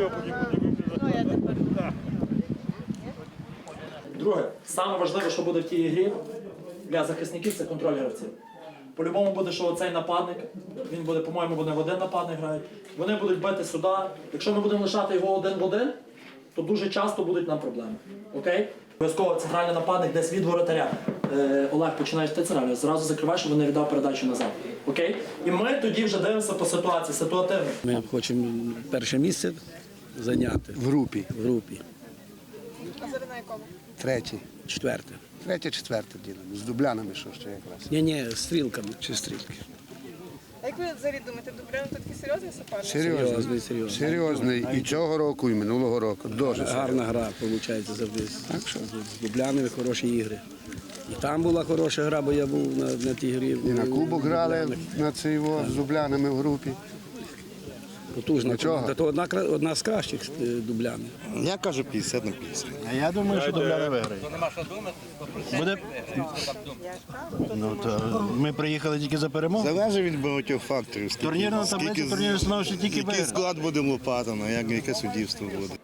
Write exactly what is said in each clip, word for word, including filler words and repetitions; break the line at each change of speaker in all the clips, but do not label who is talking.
Друге, саме важливе, що буде в тій грі для захисників, це контроль гравців. По-любому буде, що оцей нападник, він буде, по-моєму, вони в один нападник грають. Вони будуть бити сюди. Якщо ми будемо лишати його один в один, то дуже часто будуть нам проблеми. Окей? Обов'язково центральний нападник десь від воротаря. Е, Олег, починаєш ти центральний, зразу закриваєш, щоб вони віддав передачу назад. Окей? І ми тоді вже дивимося по ситуації, ситуативно.
Ми хочемо перше місце зайняти.
В групі.
В групі.
А зараз на якому?
Третє.
Четверте.
Третє, четверте ділимо. З дублянами, що ще якраз.
Ні-ні, стрілками.
Чи стрілки.
А як ви взагалі думаєте, Дублян тут такий серйозний суперник?
Серйозний.
Серйозний, серйозний.
Серйозний. І цього року, і минулого року. Дуже
Гарна гра, виходить, завжди.
Так що?
З Дублянами хороші ігри. І там була хороша гра, бо я був на, на тій грі.
І на кубок грали на цей во, з дублянами в групі.
Потужна
Нічого.
команда. То одна, кра- одна з кращих е, Дубляни.
Я кажу п'ятдесят на п'ятдесят.
А я думаю, що Дубляни виграють. Буде... Ну, то ми приїхали тільки за перемогу.
Залежить від багатьох факторів. Скільки,
Турнірна таблиця,
скільки-
турнірна становище тільки
Який
виграє.
склад буде Лопатина, як, яке суддівство буде.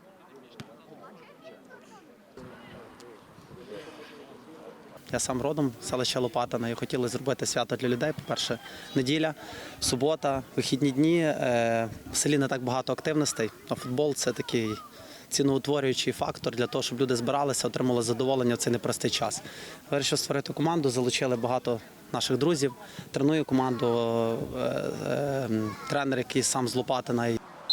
Я сам родом з селища Лопатина і хотіли зробити свято для людей. По-перше, неділя, субота, вихідні дні. Е, В селі не так багато активностей, а футбол – це такий ціноутворюючий фактор для того, щоб люди збиралися, отримали задоволення в цей непростий час. Вирішив створити команду, залучили багато наших друзів. Треную команду е, е, тренер, який сам з Лопатина.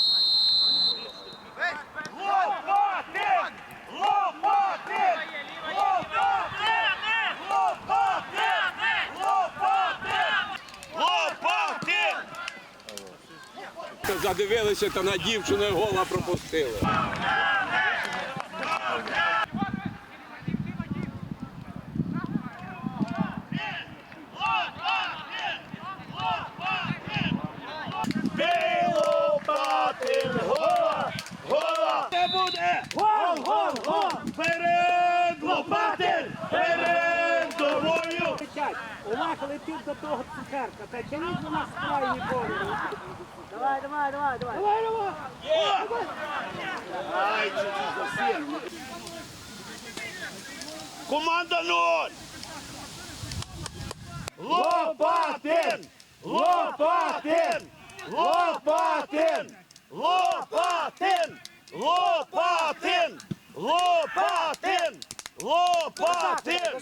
Задивилися та на дівчину і гола пропустили. Лопатин, гола! Гола! Це буде! Гол! Гол! Гол! Вперед! Лопатин! Вперед! Тобою!
Олег летів до того цукерка, та тяніть на нас крайні бори. Давай, давай, давай, давай. Давай, давай.
Є! Ай, чуть-чуть засір. Команда нуль! Лопатин! Лопатин! Лопатин! Лопатин! Лопатин! Лопатин! Лопатин!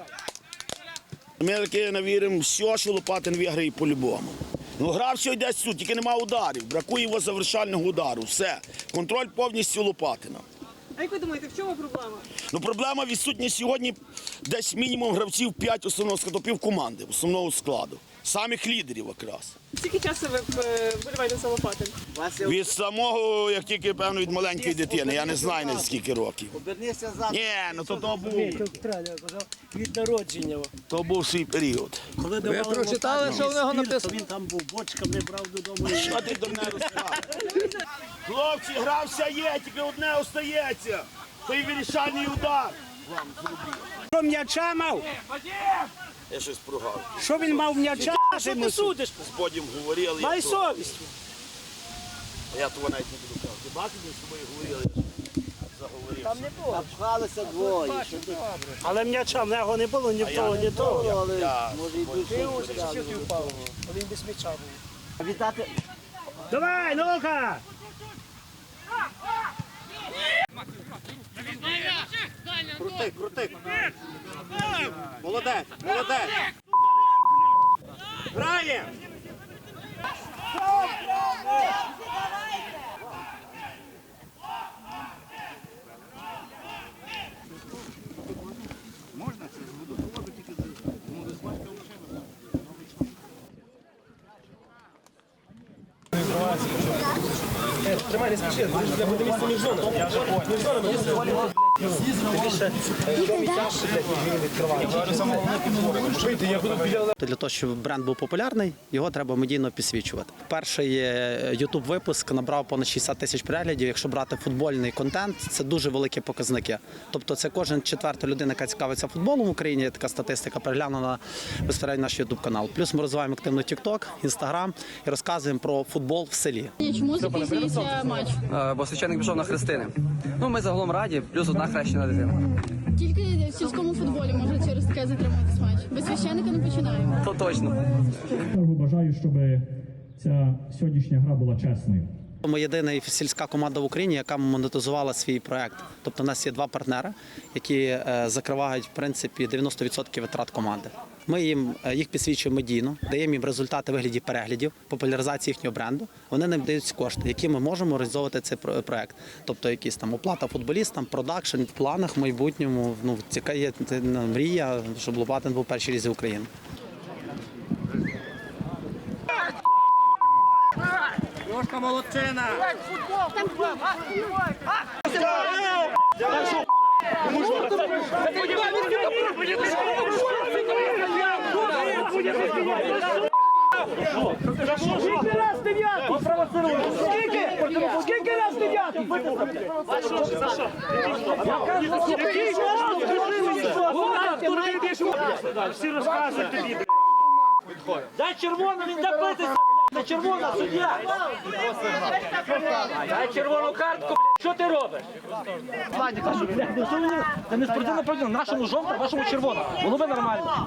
Ми таки навіримо все, що Лопатин виграє по-любому. Ну, гра все йде сюди, тільки нема ударів, бракує його завершального удару. Все. Контроль повністю Лопатина.
А як ви думаєте, в чому проблема?
Ну, проблема відсутня сьогодні десь мінімум гравців п'ять основного складу, пів команди, основного складу. Самих лідерів якраз.
Скільки часу ви е, вболіваєте за Лопатин?
Від самого, як тільки, певно, від маленької дитини. Я не знаю, на скільки років.
Обернися за...
Ні, ну то, то був,
Від народження.
то був свій період.
Коли
Ви прочитали,
що в нього написано? Він там був, бочками брав додому.
Що ти дурне розказуєш?
Хлопці, гра вся є, тільки одне остається. Той вирішальний удар.
Що м'яча мав?
Я щось прогав.
Що він мав м'яча? Що ти судиш?
З Бодім говорили.
Май
я то-
совість.
Я того навіть не буду казати. Ти бачиш, ми з тобою говорили, я ж заговорив.
Там не було. Напхалися двоє. Але м'яча в нього не було ні в того, ні того.
Я-
Може і душі впав. Він без м'яча був. Вітати. Давай, ну-ка!
Крути, крути. Молодець, молодець.
Грає!
Тримай, не спіши, буде місце між зонами. Між зонами.
Для того, щоб бренд був популярний, його треба медійно підсвічувати. Перший ютуб випуск набрав понад шістдесят тисяч переглядів. Якщо брати футбольний контент, це дуже великі показники. Тобто це кожен четверта людина, яка цікавиться футболом в Україні, така статистика, переглянула безпосередньо наш ютуб канал. Плюс ми розвиваємо активно тікток, інстаграм і розказуємо про футбол в селі.
Чому закінчується матч?
Бо священник пішов на хрестини. Ну, ми загалом раді, плюс одна хрещена дитина.
Тільки в сільському футболі може через таке затриматись матч. Без священника не починаємо.
То точно.
Бажаю, щоб ця сьогоднішня гра була чесною.
Ми єдина сільська команда в Україні, яка монетизувала свій проект. Тобто у нас є два партнери, які закривають в принципі дев'яносто відсотків витрат команди. Ми їм їх підсвічуємо медійно, даємо їм результати в вигляді переглядів, популяризації їхнього бренду. Вони нам дають кошти, які ми можемо реалізовувати цей проект. Тобто якісь там оплата футболістам, продакшн в планах в майбутньому. Ну це є мрія, щоб Лопатин був перший лізі України.
Трошка молодчина! Скільки раз дев'ятий? Скільки? Скільки раз дев'ятий? Всі розказують тобі. Дай червону, він добитися. Це червона суддя! Дай червону картку, що ти робиш? Це не спортивна правда, нашому жовта, вашому червона. Було би нормально.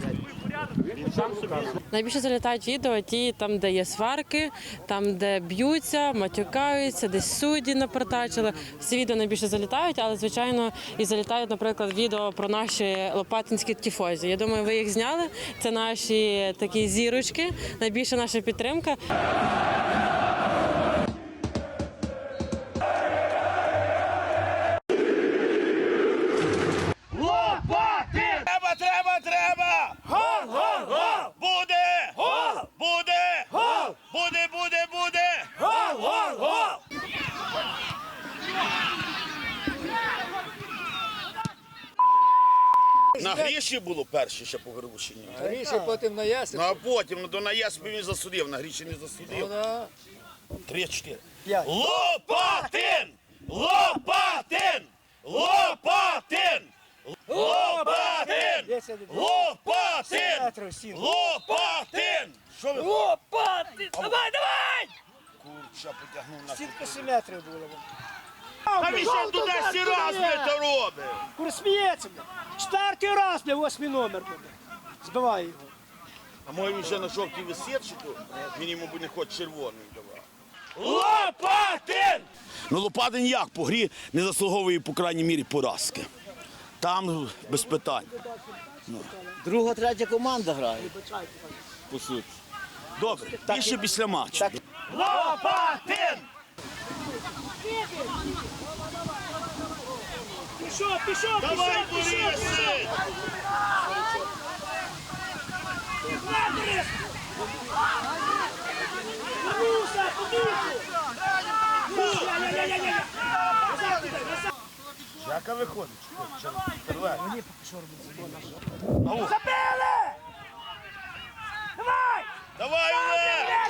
Найбільше залітають відео ті, там, де є сварки, там, де б'ються, матюкаються, десь судді напортачили. Всі відео найбільше залітають, але, звичайно, і залітають, наприклад, відео про наші лопатинські тіфозі. Я думаю, ви їх зняли. Це наші такі зірочки, найбільша наша підтримка.
Треба, треба, треба! Гол, гол, гол! Буде! Гол! Буде! Гол! Буде, буде, буде! Гол, гол, гол! На Гріші було перше ще по Горбушині.
На Гріші, потім на Ясі.
Ну а потім, ну то на Яспі він засудив, на Гріші не засудив. Три-чотири. Лопатин! Лопатин! Лопатин! Лопатин! Лопатин! Лопатин! Що ви?
Лопатин! Давай, давай!
Курча потягнув на
Скільки сім метрів було?
А він ще туди всі раз не то робить.
Кур сміється, бля. Четвертий раз, бля, восьмий номер, бля. Збиває його.
А може він ще на жовтій висить, чи то він йому не хоче червоний давати. Лопатин! Ну Лопатин як по грі не заслуговує, по крайній мірі, поразки. Там без питань. Ну.
Друга, третя команда грає.
По суті. Добре, більше після матчу. Лопатин!
Пішов, пішов,
Давай,
пішов, пішов,
Борисе!
Муса, подушку!
Яка виходить?
Мені поки що робить. Забили! Давай!
Давай, Олег!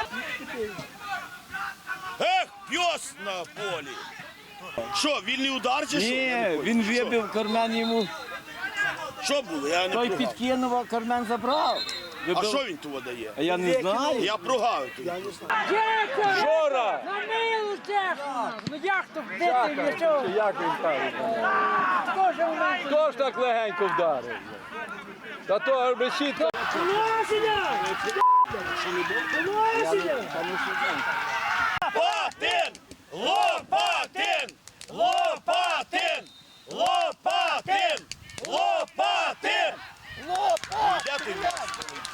Ех, п'єс на полі! Що, вільний удар чи що?
Ні, він вибив кармен йому.
Що було? Я не
Той
прогав.
підкинув, а кармен забрав.
А що він того дає?
А я не знаю.
Я прогав.
Жора! На милу техніку! Ну як то вбити нічого? Як він ставить? Хто ж так легенько вдарив? Та то решітка. Лосіня! Лосіня!
Лопатин! Лопатин! Лопатин! Лопатин! Лопатин! Лопатин! Де ти м'яч полетів?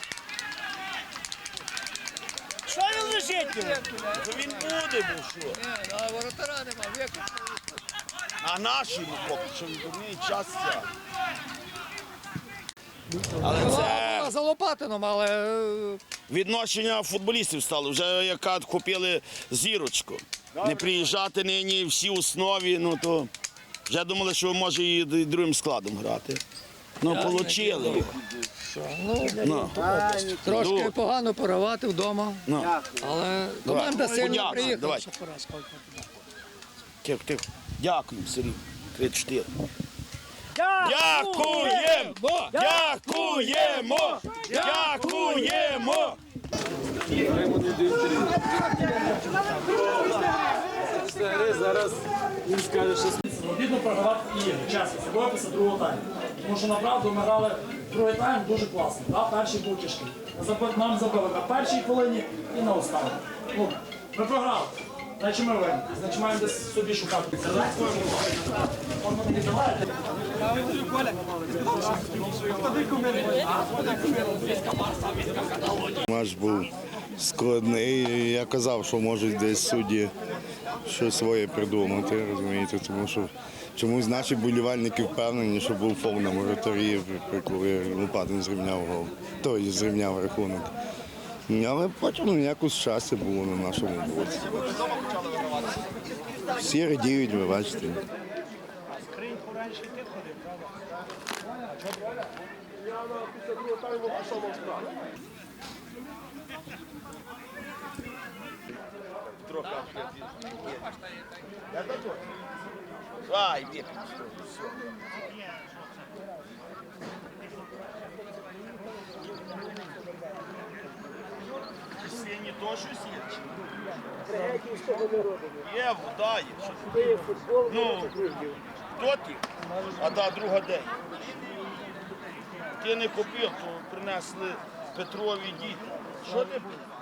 Що він лежить?
То він буде, бо що?
Ні, а воротара нема, віку.
А наші, ну, поки що він дурний час ця. Але це
За Лопатином, але...
відношення футболістів стало. Вже яка купили зірочку. Не приїжджати нині всі основі, ну то
Вже думали, що ви може і другим складом грати. Ну, отримали. Ну.
Трошки
Ну.
погано порвати вдома,
Ну.
але
Давай.
команда сильно
Подякуємо,
приїхала.
давай. Тихо, тихо. Дякую, Сергій. три-чотири. Дякуємо! Дякуємо! Дякуємо!
Зараз він скаже, що обідно програвати ігри, чесно, особливо після другого тайму. Тому що направду ми грали другий тайм дуже класно. Да? Перший був тяжкий. Нам забили на першій хвилині і на останній. Ну, ми програли. Значить ми винні. Значить маємо десь собі шукати. Можна не віддавати.
Матч був складний. Я казав, що можуть десь судді щось своє придумати, розумієте, тому що чомусь наші болівальники впевнені, що був фол на воротарі, коли Лопатин зрівняв гол, той зрівняв рахунок. Але потім якось щастя було на нашому боці. Всі радіють, ви бачите.
Ай, вік. Сіні то щось є? Є, вода є. Ну, хто ти? А та друга день. Ти не купив, то принесли Петрові діти. Що ти був?